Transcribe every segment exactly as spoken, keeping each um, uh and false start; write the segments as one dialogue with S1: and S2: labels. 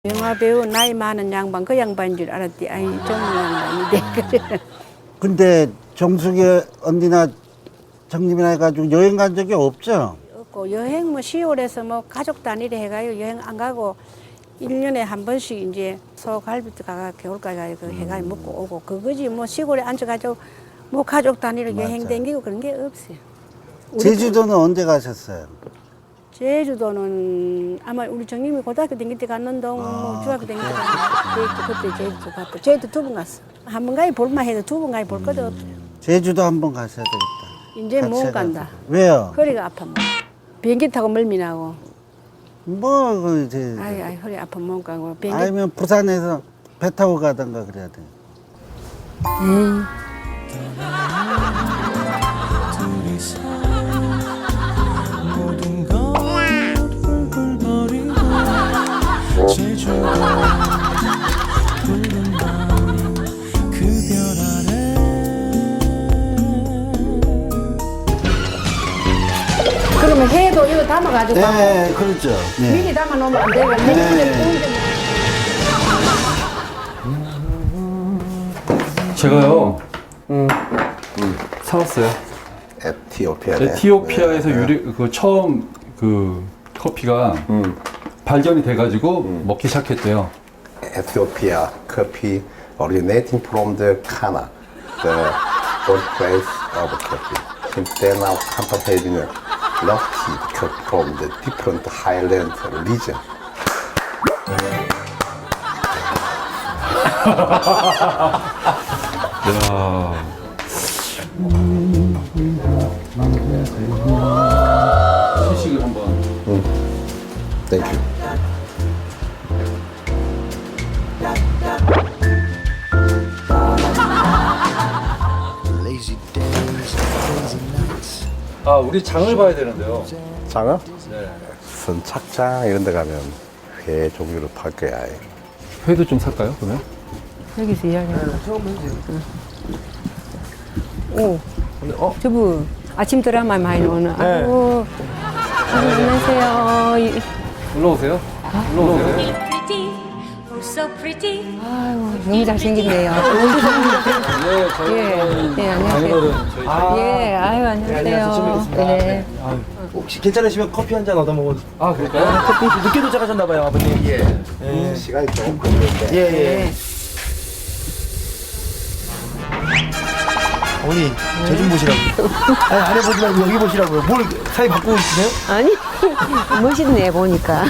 S1: 영화 배우 나이 많은 양반 그 양반인 줄 알았지. 아이 젊은 양반인데.
S2: 근데 정숙이 언니나 정님이나 해가지고 여행 간 적이 없죠?
S1: 없고 여행 뭐 시월에서 뭐 가족 단위로 해가요 여행 안 가고 일 년에 한 번씩 이제 소갈비도 가가 겨울까지 가요 그 해가 먹고 오고 그거지 뭐 시골에 앉아가지고 뭐 가족 단위로
S2: 맞아.
S1: 여행 댕기고 그런 게 없어요. 우리
S2: 제주도는 언제 가셨어요?
S1: 제주도는 아마 우리 정님이 고등학교 다닐 때 갔는데 뭐
S2: 아,
S1: 중학교 다닐 때 갔는데 그때 제주도 갔다. 제주도 두 번 갔어. 한 번 가야 볼만 해도 두 번 가야 볼 것도 없어요.
S2: 제주도 한번 가셔야 되겠다.
S1: 이제
S2: 같이
S1: 못
S2: 해가지고.
S1: 간다.
S2: 왜요?
S1: 허리가 아파. 뭐. 비행기 타고 멀미 나고.
S2: 뭐, 그, 이제.
S1: 아이 아이 허리 아파 못 가고. 비행기.
S2: 아니면 부산에서 배 타고 가던가 그래야 돼.
S1: 에이.
S3: 모든 걸 훌훌거리고 제주도 푸른 밤그 별 아래
S1: 그러면 해도 이거 담아가지고
S2: 네, 그렇죠. 네.
S1: 미리 담아놓으면 안 되고
S2: 네.
S4: 제가요, 음, 사왔어요.
S5: 에티오피아네.
S4: 에티오피아에서
S5: 네.
S4: 유리, 그 처음 그 커피가
S5: 음.
S4: 발견이 돼가지고 먹기 시작했대요.
S5: Ethiopia coffee originating from the Kana, the birthplace of coffee. Since then, now Kansas having a lofty coffee from the different highland region.
S4: 야. 시식을 한번.
S5: Thank you.
S4: 아, 우리 장을 봐야 되는데요.
S5: 장어?
S4: 네.
S5: 선착장 이런 데 가면 회 종류를 팔 거야.
S4: 회도 좀 살까요, 그러면?
S1: 여기서 이야기하는 오, 어? 저분 아침 드라마 많이 오는. 아이고, 아이고, 안녕하세요. 이-
S4: 올라오세요. 올라오세요.
S6: pretty, oh so pretty.
S1: 아이고, 너무 잘생겼네요.
S4: 네, 저희
S1: 예, 예, 안녕하세요.
S4: 저희
S1: 예, 아유, 안녕하세요. 네.
S7: 혹시 괜찮으시면 커피 한 잔 얻어 먹어.
S4: 아, 그럴까요?
S7: 커피 늦게 도착하셨나봐요, 아버님. 예. 예.
S5: 시간이 조금 걸리는데.
S7: 예, 예. 어머니, 저 좀 보시라고. 아니, 아래 보지 말고 여기 보시라고요. 뭘 사이 바꾸고 있으세요?
S1: 아니, 멋있네, 보니까.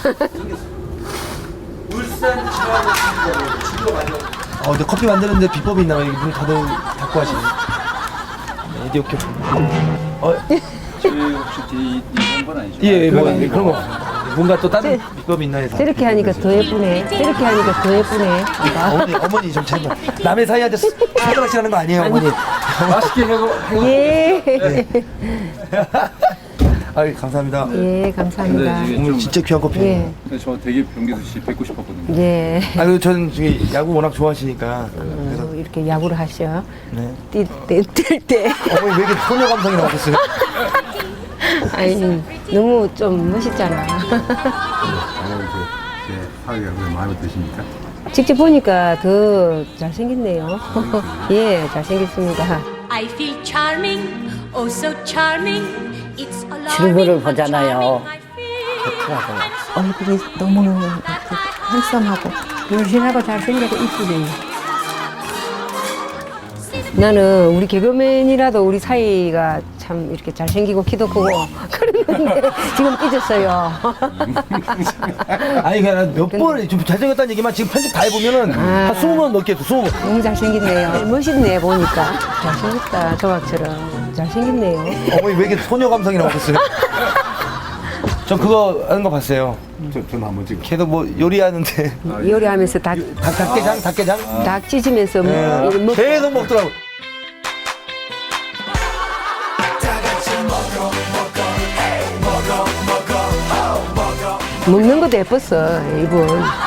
S7: 어, 근데 커피 만드는데 비법이 있나 봐요. 문 닫아, 닫고 하시네. 네, 에디오피아. 어,
S4: 저희 혹시 이, 이번 아니죠?
S7: 예, 예, 뭐, 그런 거. 뭔가 또 다른 비법이 있나 해서.
S1: 저렇게 하니까 더 예쁘네. 저렇게 하니까 더 예쁘네.
S7: 어머니, 어머니 좀 잘 봐. 남의 사이한테 손가락질 하는 거 아니에요, 어머니?
S4: 맛있게 해고.
S1: 예.
S7: 아유, 감사합니다.
S1: 예, 감사합니다.
S4: 근데 이게
S7: 오늘
S4: 좀,
S7: 진짜 귀한 커피.
S1: 예,
S4: 근데 저 되게 병기수 씨 뵙고 싶었거든요.
S1: 예.
S7: 아유, 저는 저기 야구 워낙 좋아하시니까.
S1: 어, 이렇게 야구를 하셔.
S7: 네.
S1: 뛸 때, 뛸 때.
S7: 어머니 왜 이렇게 소녀 감성이 나오셨어요?
S1: 아니, 너무 좀 멋있잖아.
S5: 오늘 제 사위가 왜 마음에 드십니까?
S1: 직접 보니까 더 잘생겼네요. 예, 잘생겼습니다.
S6: I feel charming, oh so charming. It's
S8: 출구를
S6: alarming how
S8: 보잖아요.
S6: charming I feel.
S1: 얼굴이 너무 handsom하고 물씬하고 잘생기고 이쁘네요. 나는 우리 개그맨이라도 우리 사이가 참 이렇게 잘생기고 키도 크고 그랬는데 지금 삐졌어요.
S7: 아니 그냥 몇 번을 좀 잘생겼다는 얘기만 지금 편집 다 해보면은 한 스무 번 넘게 했어. 스무 번.
S1: 너무 잘생겼네요. 멋있네 보니까. 잘생겼다 조각처럼. 잘생겼네요.
S7: 어머니 왜 이렇게 소녀 감성이 나오셨어요? 전 그거 하는 거 봤어요.
S5: 저, 전 한번 찍어.
S7: 걔도 뭐 요리하는데
S1: 요리하면서 닭,
S7: 닭, 닭게장? 닭게장?
S1: 닭 찢으면서 뭐
S7: 예.
S1: 이렇게 먹
S7: 계속 먹더라고.
S1: 먹는 것도 예뻤어 이분.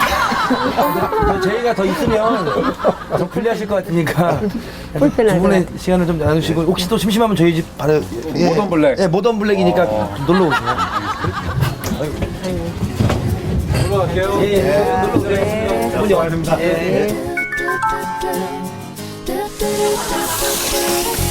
S7: 저희가 더 있으면 좀 불리하실 것 같으니까
S1: 불편할
S7: 두 분의
S1: 것
S7: 시간을 좀 나누시고 혹시 또 심심하면 저희 집 바로 예,
S4: 모던 블랙.
S7: 예, 모던 블랙이니까 좀 놀러 오세요.
S4: 올라갈게요.
S7: 예, 예. 놀러 오세요. 좋은 영화입니다.
S1: 네.
S7: 예.